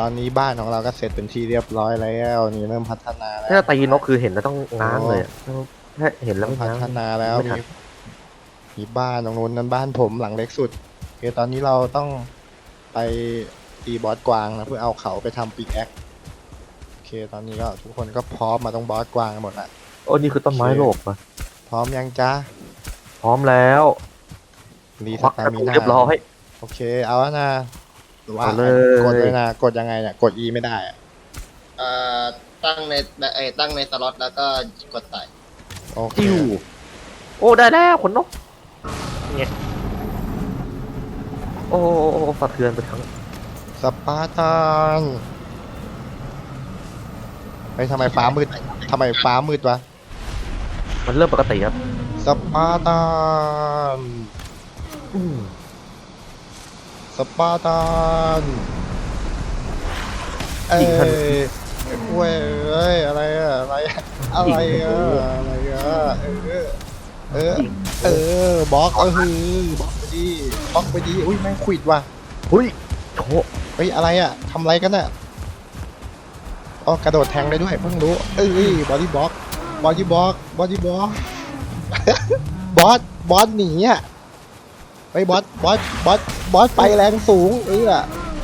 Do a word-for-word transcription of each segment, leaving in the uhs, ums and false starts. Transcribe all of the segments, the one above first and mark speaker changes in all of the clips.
Speaker 1: ตอนนี้บ้านของเราก็เสร็จเป็นที่เรียบร้อยแล้วนี่เริ่มพัฒนาแล้ว
Speaker 2: ถ้าตีนกคือเห็นแล้วต้องง้างเลยถ้าเห็นแล้ว
Speaker 1: เริ่ม
Speaker 2: ไม่
Speaker 1: พั
Speaker 2: ง้าง
Speaker 1: ฒนาแล้วมีมีบ้านตรงนู้นนั้นบ้านผมหลังเล็กสุดโอเคตอนนี้เราต้องไปตีบอสกวางนะเพื่อเอาเขาไปทำปิกแอคโอเคตอนนี้ก็ทุกคนก็พร้อมมาตรงบอสกวางกันหมดละ
Speaker 2: โอ้นี่คือต้นไม้โลกปะ
Speaker 1: พร้อมยังจ้า
Speaker 2: พร้อมแล้ว
Speaker 1: รีส
Speaker 2: ควัก
Speaker 1: ตาก
Speaker 2: ระ
Speaker 1: มิ
Speaker 2: ปุก
Speaker 1: นา
Speaker 2: เรียบร้อย
Speaker 1: โอเคเอาแล้วนะว่า
Speaker 2: เอาเลย
Speaker 1: กดเลยนะกดยังไงเนี่ยกด E ไม่ได้อะ
Speaker 3: เอ่อตั้งในเอ้ยตั้งในสล็อตแล้วก็กดใส่
Speaker 1: โอเค
Speaker 2: จิ้วโอ้ได้แล้วขนนกเนี่ยโอ้โอ้โอ้สะเทือนไปทั้ง
Speaker 1: สปาร์ตันเฮ้ยทำไมฟ้ามืดทำไมฟ้ามืดวะ
Speaker 2: มันเริ่มปกติครับ
Speaker 1: สปาร์ตัน
Speaker 2: อืม
Speaker 1: สปาร์ตันเอ้ยเว้ยเอ้ยอะไรอะอะไรอะอะไรอะอะไรอะเออเออเออบล็อกเออบล็อกไปดิบล็อกไปดิอุ้ยแม่งขวิดว่ะ
Speaker 2: หุ้ยโถ
Speaker 1: เฮ้ยอะไรอะทำอะไรกันอะอ๋อกระโดดแทงได้ด้วยเพิ่งรู้เอ้ยบอดี้บล็อกบอดี้บล็อกบอดี้บล็อก บอสบอสหนีอ่ะไอ้บอสบอสบอสบอสไปแรงสูงเออ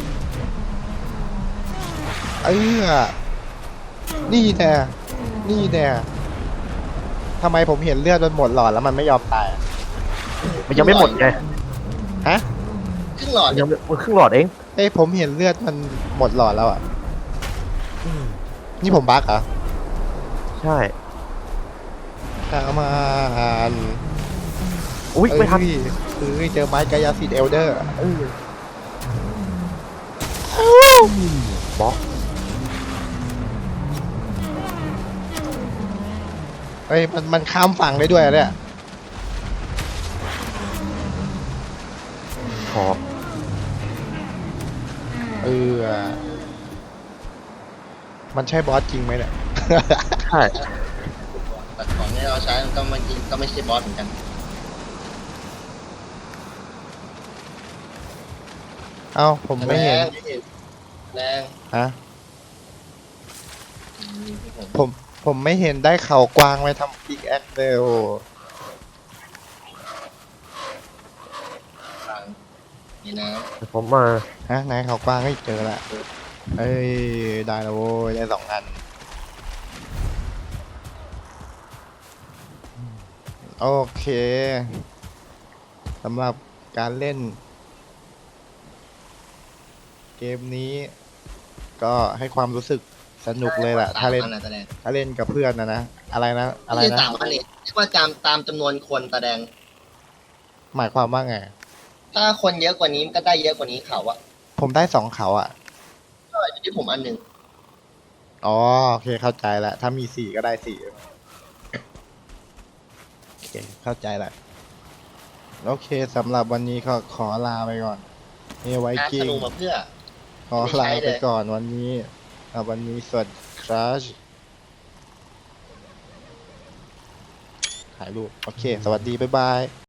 Speaker 1: เออนี่แน่นี่แน่ทำไมผมเห็นเลือดมันหมดหลอดแล้วมันไม่ยอมตายอะ
Speaker 2: มันยังไม่หมดไง
Speaker 1: ฮะ
Speaker 3: ครึ่งหลอด
Speaker 2: มันยังไม่มันครึ่งหลอดเอง
Speaker 1: เอ้ยผมเห็นเลือดมันหมดหลอดแล้วอ่ะนี่ผมบั๊กเหรอ
Speaker 2: ใช่
Speaker 1: ตามมาอ่าน
Speaker 2: อุ้ยไม่ทัน
Speaker 1: เอ้ยเจอไม้กายสิทธิ์เอลเดอร์
Speaker 2: บล็อก
Speaker 1: เอ้ยมันมันข้ามฝั่งได้ด้วยอะเนี่ย
Speaker 2: ขอบ
Speaker 1: เออมันใช่บอสจริงไหมเนี่ย
Speaker 2: ใช่
Speaker 3: แต่ของที่เราใช้มันก็ไม่จริงก็ไม่ใช่บอสเหมือนกัน
Speaker 1: เอ้าผมไม่เห็น
Speaker 3: แรงแรง
Speaker 1: ฮะผมผมไม่เห็นได้เข่ากวางไปทำปิกแอคเลยโอ
Speaker 3: นี่นะ
Speaker 2: เดี๋ยวผมมา
Speaker 1: ฮะไหนเข่ากวางไม่เจอละเอ้ยได้แล้วโว้ยได้สองอันโอเคสำหรับการเล่น เกมนี้ ก็ให้ความรู้สึกสนุกเลยแหละถ้าเล่น
Speaker 3: สมอัะแสดง
Speaker 1: ถ้าเล่นกับเพื่อนนะนะอะไรนะอะไร
Speaker 3: ไม่ใช่
Speaker 1: นะ
Speaker 3: สามอันนี่เรียกว่าตามตามจำนวนคนแสดง
Speaker 1: หมายความว่าไง
Speaker 3: ถ้าคนเยอะกว่านี้มันก็ได้เยอะกว่านี้เขาอะ
Speaker 1: ผมได้สองเขาอ่ะ
Speaker 3: ก็อยู่ที่ผมอันหนึ่ง
Speaker 1: อ๋อโอเคเข้าใจแล้วถ้ามีสี่ก็ได้สี่โอเคเข้าใจแล้วโอเคสำหรับวันนี้ก็ขอลาไปก่อนนี่ไว้
Speaker 3: การ
Speaker 1: กิ้
Speaker 3: ธ
Speaker 1: ง
Speaker 3: นูมาเพื่อ
Speaker 1: ขอลาไปก่อนวันนี้อ่ะวันนี้สวัสดีครับถ่ายรูปโอเค สวัสดีบ๊ายบาย